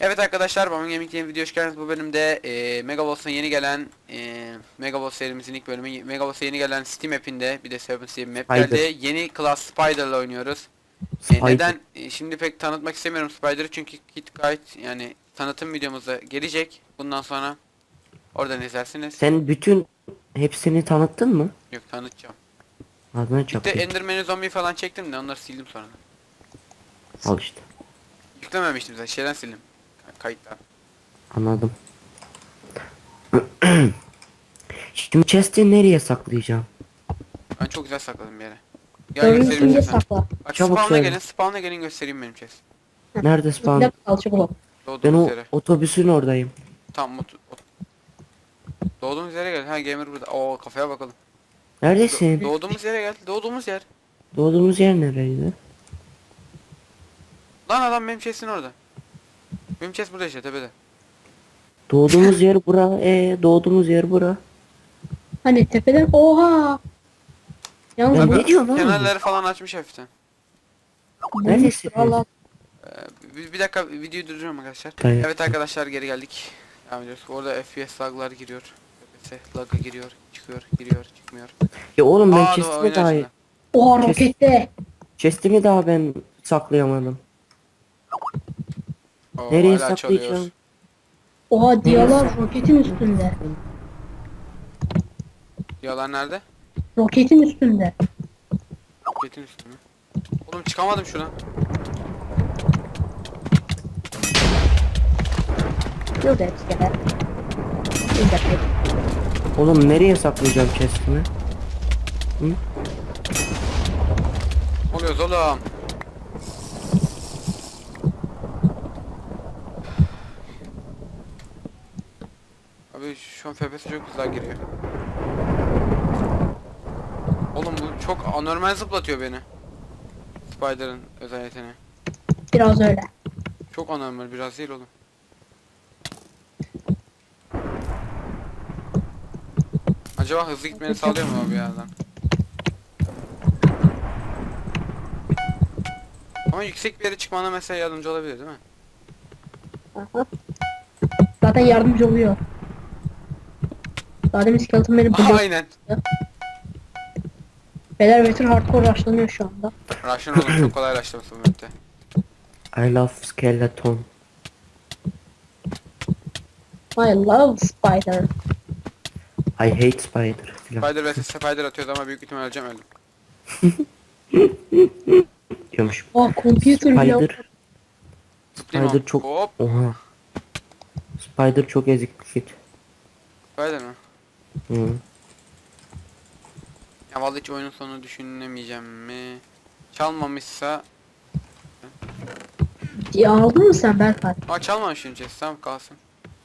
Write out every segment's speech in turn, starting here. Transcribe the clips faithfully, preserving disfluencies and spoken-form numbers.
Evet arkadaşlar, Bamın Gaming yeni video hoş geldiniz. Bu bölümde e, Megaboss'a yeni gelen e, Megaboss serimizin ilk bölümü. Megaboss'a yeni gelen Steam app'inde bir de Seven diye bir map Spider. geldi. Yeni Class Spider'la oynuyoruz. E, Spider. neden? E, şimdi pek tanıtmak istemiyorum Spider'ı çünkü Kit Guide yani tanıtım videomuzda gelecek. Bundan sonra oradan izlersiniz. Sen bütün hepsini tanıttın mı? Yok, tanıtacağım. Adına Bir de çapayım. Enderman'i, zombi falan çektim de onları sildim sonra. Al işte. Yüklememiştim zaten, şeyden sildim. Kayıttan. Anladım. Şimdi chest'i nereye saklayacağım? Ben çok güzel sakladım bir yere. Gel Görünün göstereyim içinde size. sakla. Bak, Çabuk spawn'a söyle. gelin, spawn'a gelin göstereyim benim chest. Nerede spawn? İçinde kalça blok. Ben Doğduğumuz o yere. otobüsün oradayım. Tamam, ot ot doğduğumuz yere gel. Ha, gamer burada. Oo, kafaya bakalım. Do Neredesin? doğduğumuz yere gel. Doğduğumuz yer. Doğduğumuz yer nereydi? Lan adam benim chest'in orada. Benim chest burada işte, tepede. Doğduğumuz yer bura. E doğduğumuz yer bura. Hani tepeden oha. Yalnız Ya bu ne diyorsun oğlum? Kenarları falan açmış hafiften. Neredesin? Valla Ee, bir, bir dakika, videoyu durduruyorum arkadaşlar. Tamam. Evet arkadaşlar, geri geldik. Devam ediyoruz. Orada F P S laglar giriyor. F P S lag'a giriyor, çıkıyor, giriyor, çıkmıyor. Ya oğlum ben Aa, dur, chest'imi oyun daha açıldı. oha Kes- rokette. chest'imi daha ben saklayamadım. Oo, Nereye hala saklayacağım? çalıyor. Oha diyalar roketin üstünde. Yalan nerede? Roketin üstünde. Betin üstü mü? Oğlum çıkamadım şuna. Dur da hepsi gel. Bir dakika. Oğlum nereye saklayacağım chest'imi? Oluyoruz oğlum. Abi şu an F P S çok güzel giriyor. Oğlum bu çok anormal zıplatıyor beni. Spider'ın özel yeteneği. Biraz öyle. Çok anormal, biraz değil oğlum. Acaba hızlı gitmeni sağlıyor mu abi yerden? Ama yüksek bir yere çıkmana mesela yardımcı olabilir değil mi? Aha. Zaten yardımcı oluyor. Daha demin skeleton beni Aha, buluyor. aynen. Beyler Veteran hardcore rushlanıyor şu anda. Rush'ın oğlum çok kolay rushlaması bu map'te. I love skeleton. I love spider. I hate spider. Filan Spider vs Spider atıyordu ama büyük ihtimal öleceğim, öldüm. diyormuş. Oha computer bile. Spider. Zıplayayım Spider abi. çok. Hop. Oha. Spider çok ezik bir shit. Spider mi? Hı. Ya vallahi hiç oyunun sonunu düşünemeyeceğim mi? Çalmamışsa... Diye aldın mı sen Berkay? Aa, çalmamış şimdi, tamam kalsın.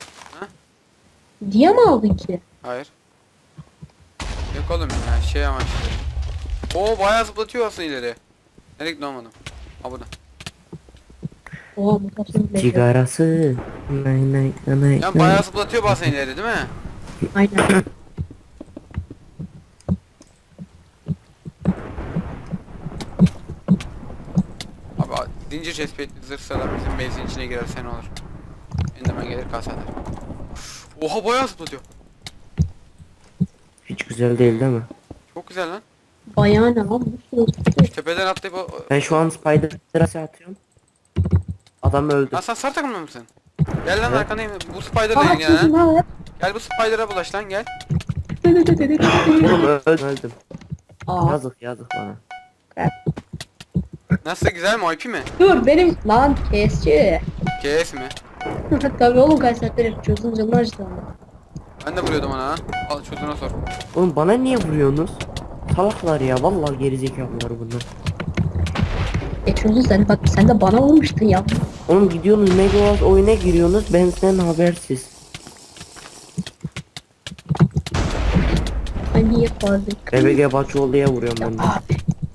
Diye mi aldın ki? Hayır. Yok oğlum ya, şey amaçlı. Oo, bayağı zıplatıyor aslında ileri. Nereye gitti, olmadım. Ha, burada. Oha mutasyon bile. Cigarası. Nay nay nay. Ya bayağı zıplatıyor bazen ileri değil mi? Aynen. Abi a- zincir chestplate'li zırh sıradan bizim base'in içine girerse ne olur? Enderman gelir kasa eder. Oha, bayağı zıplatıyor. Hiç güzel değil değil mi? Çok güzel lan. Bayağı ne lan? Bu sürü- Tepeden atlayıp o... Ben şu an Spider'a atıyorum. Adam öldü. Lan sen sar takımda mısın? Gel lan, Evet. arkandayım. Bu Spider'la Aa ilgilenen çizim ha. ha. Gel bu Spider'a bulaş lan, gel. Oğlum öldüm öldüm. Aa Yazık yazık bana. Nasıl, güzel mi, O P mi? dur benim lan kesçi. K S mi? Tabii oğlum kaç saattir çözüm canını acıdı ama. Ben de vuruyordum ona ha. Al çocuğuna sor. Oğlum bana niye vuruyorsunuz? Salaklar ya vallahi gerizekalılar bunlar. E çözüm sen bak sen de bana vurmuştun ya. Oğlum gidiyorsunuz Megawatt oyuna giriyorsunuz ben sizden habersiz. Ay niye vardık? B B G Baçoğlu'ya vuruyorum ben de. Abi.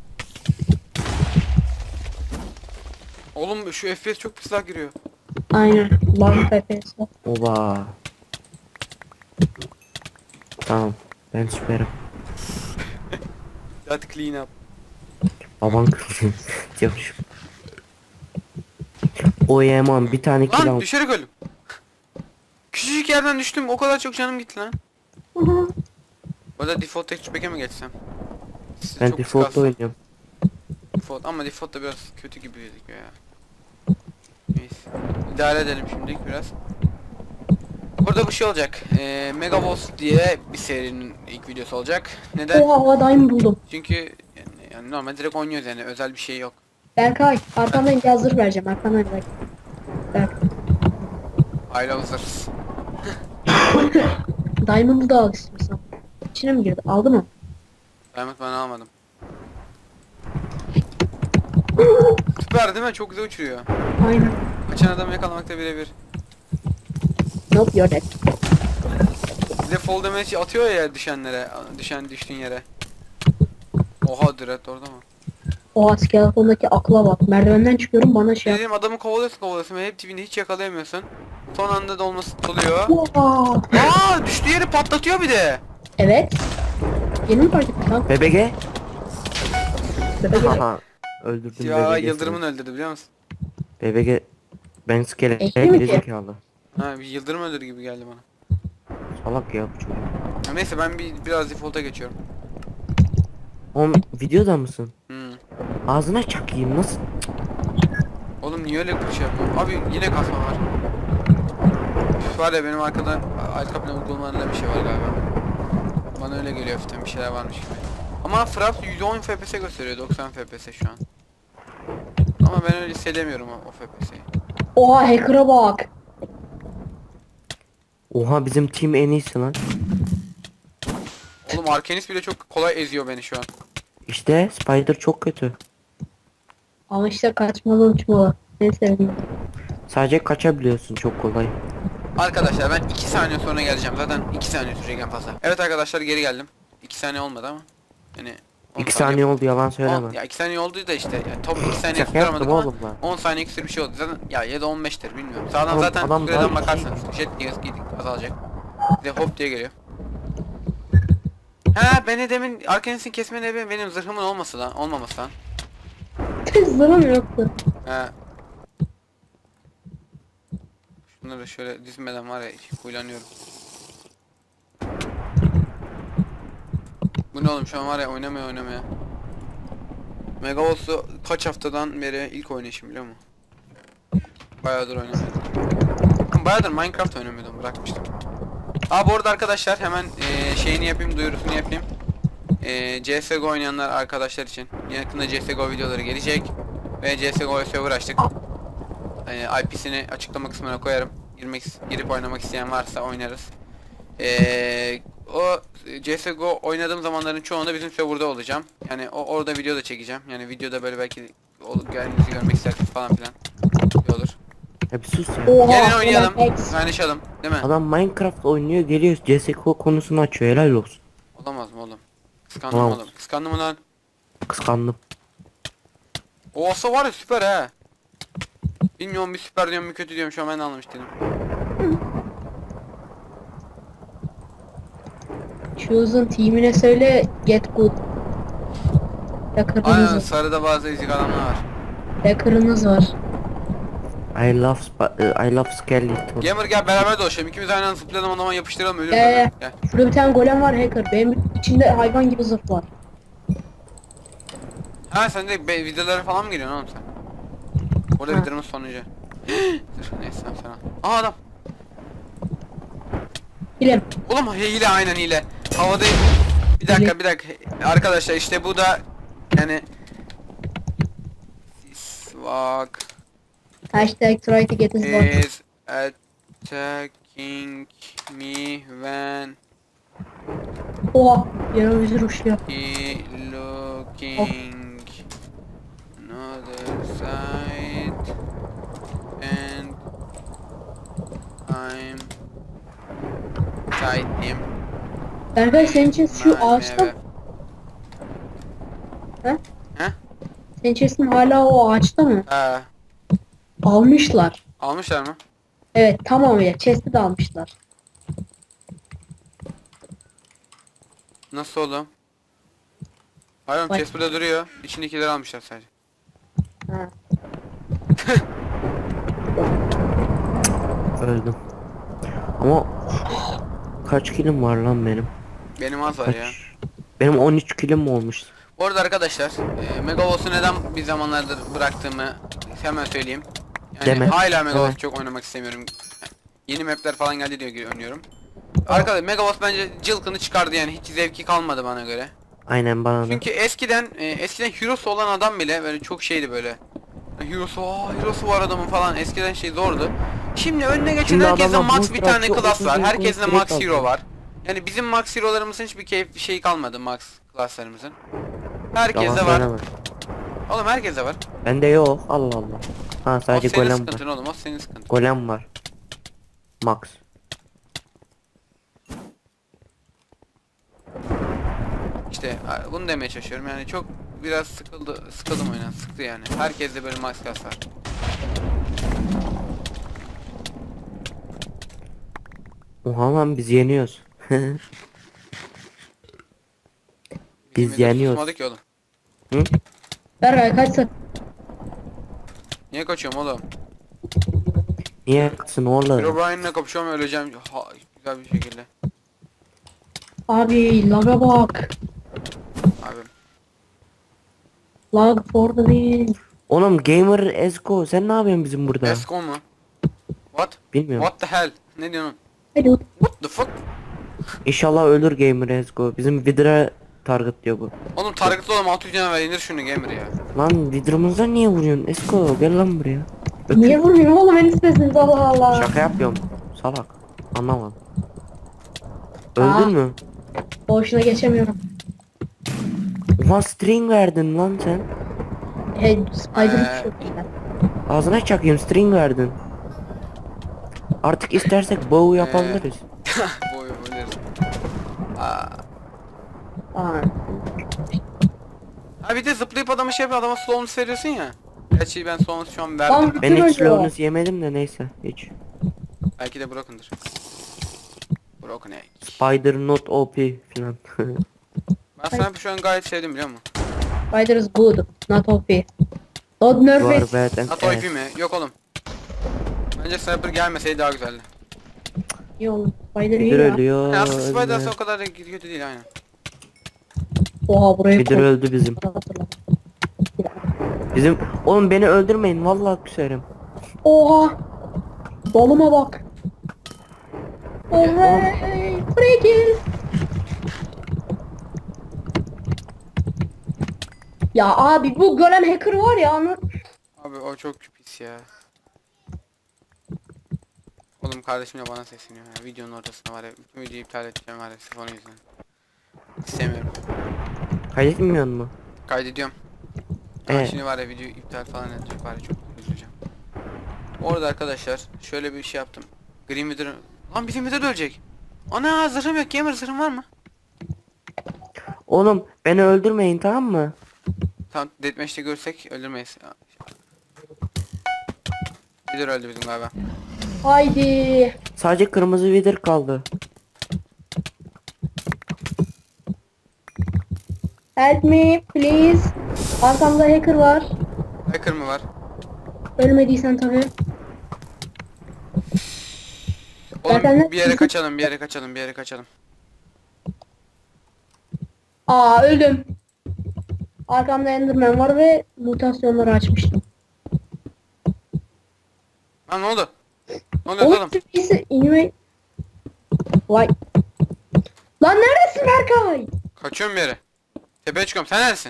Oğlum şu F P S çok pis lag giriyor. Aynen. Lan F P S. Oba. Tamam ben süperim. Hadi clean up. Baban kızım diyormuşum. boyayamam. Bir tane kill Lan al. düşerek öldüm. Küçücük yerden düştüm, o kadar çok canım gitti lan. Orada default texture pack'e mi geçsem? Sizi Ben çok default'ta kıskansın. oynuyorum. Default ama default da biraz kötü gibi gözüküyor ya. Neyse. İdare edelim şimdilik biraz. Burada bir şey olacak. Ee, Mega Boss diye bir serinin ilk videosu olacak. Neden? Oha hava daim buldum. Çünkü yani, yani normal direkt oynuyoruz yani, özel bir şey yok. Berkay arkamdan bir hazır vereceğim. Arkamdan bak. Berk. I love zırhs. Diamond'ı da al istiyorsan. İçine mi girdi? Aldı mı? Diamond ben almadım. Süper değil mi? Çok güzel uçuruyor. Aynen. Kaçan adamı yakalamakta birebir. Nope you're dead. Bir de fall damage atıyor ya düşenlere, düşen düştüğün yere. Oha Dread orada mı? Oha skeletondaki akla bak. Merdivenden çıkıyorum bana şey yap. Dediğim adamı kovalıyorsun kovalıyorsun ve hep dibinde hiç yakalayamıyorsun. Son anda dolması oluyor. Oha. Aa düştüğü yeri patlatıyor bir de. Evet. Yeni mi fark ettin lan? B B G. Bebek Aha. Öldürdüm Ya B B G'sini. Yıldırım'ın öldürdü biliyor musun? B B G. Ben skelete Ekli mi ki? gerizekalı. Ha bir Yıldırım öldürdü gibi geldi bana. Salak ya bu çocuk. Ya neyse ben bir biraz default'a geçiyorum. Oğlum videoda mısın? Hmm. Ağzına çakayım nasıl? Oğlum niye öyle bir şey yapıyorsun? Abi yine kasma var. Üf, var ya benim arkadan arka plan uygulamalarında bir şey var galiba. Bana öyle geliyor hafiften bir şeyler varmış gibi. Ama Fraps yüz on F P S gösteriyor, doksan F P S şu an. Ama ben öyle hissedemiyorum o, o F P S'yi. Oha hacker'a bak. Oha bizim team en iyisi lan. Oğlum Arkenis bile çok kolay eziyor beni şu an. İşte Spider çok kötü. Ama işte kaçmalı uçmalı. En sevdiğim. Sadece kaçabiliyorsun çok kolay. Arkadaşlar ben iki saniye sonra geleceğim. Zaten iki saniye sürecek en fazla. Evet arkadaşlar geri geldim. iki saniye olmadı ama. Yani on iki saniye oldu yalan söyleme. on, ya iki saniye oldu da işte. Yani top iki saniye Şaka yaptım tutturamadık ama oğlum lan. on saniye küsür bir şey oldu. Zaten ya ya da on beştir bilmiyorum. Sağdan Oğlum, zaten adam süreden daha- bakarsanız jet diye azalacak. Bir de hop diye geliyor. Ha beni demin Arkenis'in kesme nebi benim zırhımın olması lan, olmaması lan. Zırhım yoktu. He. Şunları şöyle dizmeden var ya huylanıyorum. Bu ne oğlum şu an var ya oynamaya oynamaya. Megaboss'u kaç haftadan beri ilk oynayışım biliyor musun? Bayağıdır oynamıyordum. Bayağıdır Minecraft oynamıyordum, bırakmıştım. Aa bu arada arkadaşlar hemen e, şeyini yapayım, duyurusunu yapayım. E, C S G O oynayanlar arkadaşlar için yakında C S G O videoları gelecek. Ve C S G O'ya server açtık. E, I P'sini açıklama kısmına koyarım. Girmek, girip oynamak isteyen varsa oynarız. E, o C S G O oynadığım zamanların çoğunda bizim serverda olacağım. Yani o orada video da çekeceğim. Yani videoda böyle belki olup geldiğinizi görmek isterseniz falan filan. İyi olur. Ya bir sus ya. Oha. Gelin oynayalım. ulan X. Kaynaşalım. Değil mi? Adam Minecraft oynuyor geliyor C S G O konusunu açıyor helal olsun. Olamaz mı oğlum? Kıskandım Olamaz. oğlum. Kıskandım mı lan? Kıskandım. O olsa var ya süper he. Bilmiyorum bir süper diyorum bir kötü diyorum şu an ben de anlamış değilim. Chosen teamine söyle get good. Hacker'ınız Aynen var. sarıda bazı ezik adamlar var. Hacker'ınız var. I love Sp- I love Skeleton. Gamer gel beraber dolaşalım. İkimiz aynı anda zıplayalım o zaman yapıştıralım ölürüz. Gel, öyle. gel. Gel. Şurada bir tane golem var hacker. Benim içinde hayvan gibi zırh var. Ha sen de be- videolara falan mı giriyorsun oğlum sen? Orada Ha. videonun sonucu. Dur neyse sen sen al. Aa adam. Bilem. Oğlum hile aynen hile. Havada bir dakika bir dakika. Arkadaşlar işte bu da yani Sisvak Hashtag try to get his bot. is attacking me when Oha. Yana bir zırh uçuyor. he looking another side and I'm fighting Berkay senin için şu ağaçta. He? He? Senin chest'in hala o ağaçta mı? Ha, Almışlar. almışlar mı? Evet tamamıyla chest'i de almışlar. Nasıl oğlum? Hayır Bak. chest burada duruyor. İçindekileri almışlar sadece. Ha. Öldüm. Ama kaç kilim var lan benim? Benim az var Kaç? ya. Benim on üç kilim olmuş. Bu arada arkadaşlar e, Megaboss'u neden bir zamanlardır bıraktığımı hemen söyleyeyim. Yani Deme. hala Megaboss Deme. çok oynamak istemiyorum. Yeni mapler falan geldi diye oynuyorum. Arkadaşlar Megaboss bence cılkını çıkardı yani hiç zevki kalmadı bana göre. Aynen bana da. Çünkü eskiden e, eskiden Hero'su olan adam bile böyle çok şeydi böyle. Hero'su, aa Hero'su var adamın falan eskiden şey zordu. Şimdi önüne geçen Şimdi herkeste adamlar max boost bir tane atıyor, class var. otuz Herkeste direkt max alıyor. hero var. Yani bizim max hero'larımızın hiçbir keyif bir şey kalmadı max class'larımızın. Herkeste Yalan var. söyleme. Oğlum herkeste var. Bende yok. Allah Allah. Ha O sadece senin golem sıkıntın var. oğlum, o senin sıkıntın. Golem var. Max. İşte a, bunu demeye çalışıyorum yani çok biraz sıkıldı, sıkıldım oyundan, sıktı yani. Herkeste böyle max class var. Oha lan biz yeniyoruz. Biz Bizim de yeniyoruz. susmadı ki oğlum. Hı? Berkay kaç saat? Niye kaçıyorum oğlum? Niye yaksın oğlum? Herobrine'le kapışıyorum öleceğim ha, güzel bir şekilde. Abi laga bak. Abi. Lag for the win. Oğlum Gamer Esko sen ne yapıyorsun bizim burada? Esco mu? What? Bilmiyorum. What the hell? Ne diyorsun? Hello. What the fuck? İnşallah ölür Gamer Esko. Bizim Vidra target diyor bu. Oğlum targetlı oğlum altı yüz canavar indir şunu gamer ya. Lan Vidra'mıza niye vuruyorsun? Esko gel lan buraya. Niye vurmuyorsun oğlum en istesiniz Allah Allah. Şaka yapıyorum. Salak. Anlamadım. Öldün Aa. mü? Boşuna geçemiyorum. Ulan string verdin lan sen. Hey Spider Ee. çok güzel. Ağzına çakayım string verdin. Artık istersek bow yapabiliriz. Boy boy. Aa. Aa. Ha bir de zıplayıp adama şey yapıyor, adama slowness veriyorsun ya. Gerçi ben slowness şu an verdim. Tam- Ben hiç Öyle. slowness yemedim de neyse hiç. Belki de broken'dır. Broken egg. Spider not O P filan. Ben sana şu an gayet sevdim biliyor musun? Spider is good. Not O P. Don't nerf You are it. bad and Not O P ass. mi? Yok oğlum. Bence Sniper gelmeseydi daha güzeldi. İyi oğlum. Spider iyi Vidir ya. ölüyor. Yani aslında Spider ölme. o kadar da kötü değil aynen. Oha burayı Vidir koy. öldü bizim. Hatırladım. Bizim oğlum beni öldürmeyin vallahi küserim. Oha. Doluma bak. Oley. Free kill. Ya abi bu golem hacker var ya anı. Abi o çok pis ya. Oğlum kardeşim de bana sesleniyor ya. Videonun ortasında var ya. Bütün videoyu iptal edeceğim var ya sırf onun yüzünden. İstemiyorum. Kaydetmiyor mu? Kaydediyorum. Ama Evet. şimdi var ya video iptal falan edecek var ya çok üzüleceğim. Orada arkadaşlar şöyle bir şey yaptım. Green Wither... Lan bizim Wither ölecek. Ana zırhım yok. Gamer zırhım var mı? Oğlum beni öldürmeyin tamam mı? Tamam deathmatch'te görsek öldürmeyiz. Wither öldü bizim galiba. Haydi. Sadece kırmızı vidir kaldı. Help me please. Arkamda hacker var. Hacker mı var? Ölmediysen tabii. Oğlum Zaten ne- bir yere kaçalım, bir yere kaçalım, bir yere kaçalım. Aa öldüm. Arkamda Enderman var ve mutasyonları açmıştım. Lan ne oldu? Ne oluyor Oğlum oğlum? birisi inme... Vay. Lan neredesin Berkay? Kaçıyorum bir yere. Tepeye çıkıyorum. Sen neredesin?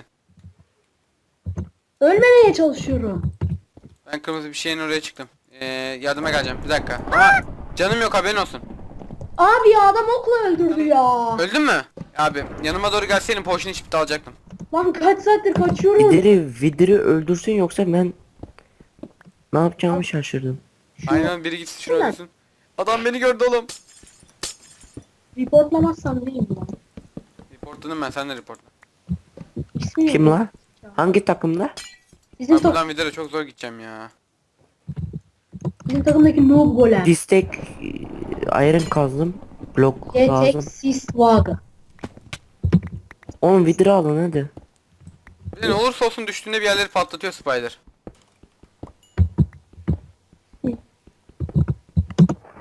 Ölmemeye çalışıyorum. Ben kırmızı bir şeyin oraya çıktım. Ee, yardıma geleceğim. Bir dakika. Ama canım yok haberin olsun. Abi ya adam okla öldürdü ya. Öldün mü? Abi yanıma doğru gelseydin potion içip de alacaktım. Lan kaç saattir kaçıyorum. Vidiri vidiri öldürsün yoksa ben ne yapacağımı şaşırdım. Aynen biri gitsin şunu Ulan. öldürsün. Adam beni gördü oğlum. Reportlamazsam neyim lan? Reportladım ben, sen de reportla. İsmi Kim yok. la? Hangi takımda? Bizim, Abi tak buradan videoda çok zor gideceğim ya. bizim takımdaki noob golem. Distek iron kazdım. Blok Getek lazım. Sistwaga. Oğlum vidiri alın hadi. Bir de ne olursa olsun düştüğünde bir yerleri patlatıyor Spider.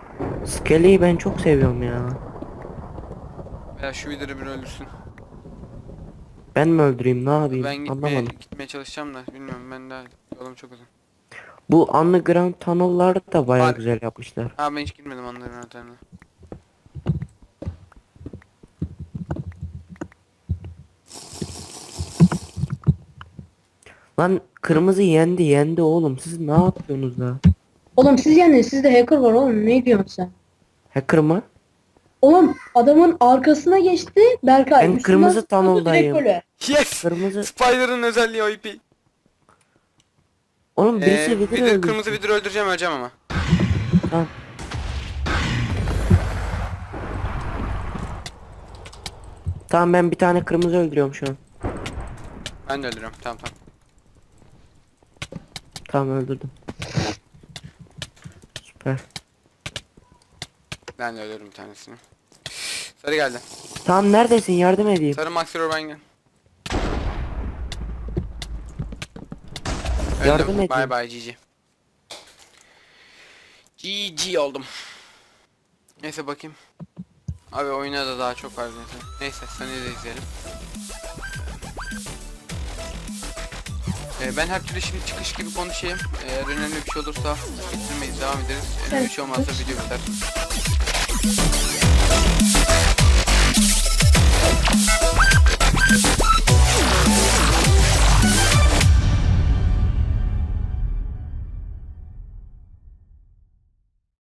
İskeleyi ben çok seviyorum ya. Veya şu vidiri bir öldürsün. Ben mi öldüreyim, ne yapayım Ben gitmeye, anlamadım. gitmeye çalışacağım da bilmiyorum, ben daha yolum çok uzun. Bu underground tunnel'ları da bayağı Var. güzel yapmışlar. Ha ben hiç girmedim onların yöntemine. Lan kırmızı yendi yendi oğlum, siz ne yapıyorsunuz da? Oğlum siz yani sizde hacker var oğlum, ne diyorsun sen? Hacker mı? Oğlum adamın arkasına geçti Berkay. Ben üstünden kırmızı zıpladı, direkt tunnel'dayım. böyle. Yes! Kırmızı. Spider'ın özelliği O P. Oğlum birisi Ee, vidir vidir, öldürsün. kırmızı vidir öldüreceğim, öleceğim ama. Tamam. Tamam ben bir tane kırmızı öldürüyorum şu an. Ben de öldürüyorum, tamam tamam. Tamam öldürdüm. Süper. Ben de öldürürüm bir tanesini. Sarı geldi. Tamam neredesin, yardım edeyim. Sarı Maxi Urban gel. Yardım Öldüm. edeyim. Bye bye G G. G G oldum. Neyse bakayım. Abi oyuna da daha çok var neyse. Neyse seni de izleyelim. Ee, ben her türlü şimdi çıkış gibi konuşayım. Eğer önemli bir şey olursa bitirmeyiz, devam ederiz. Önemli bir şey olmazsa video biter.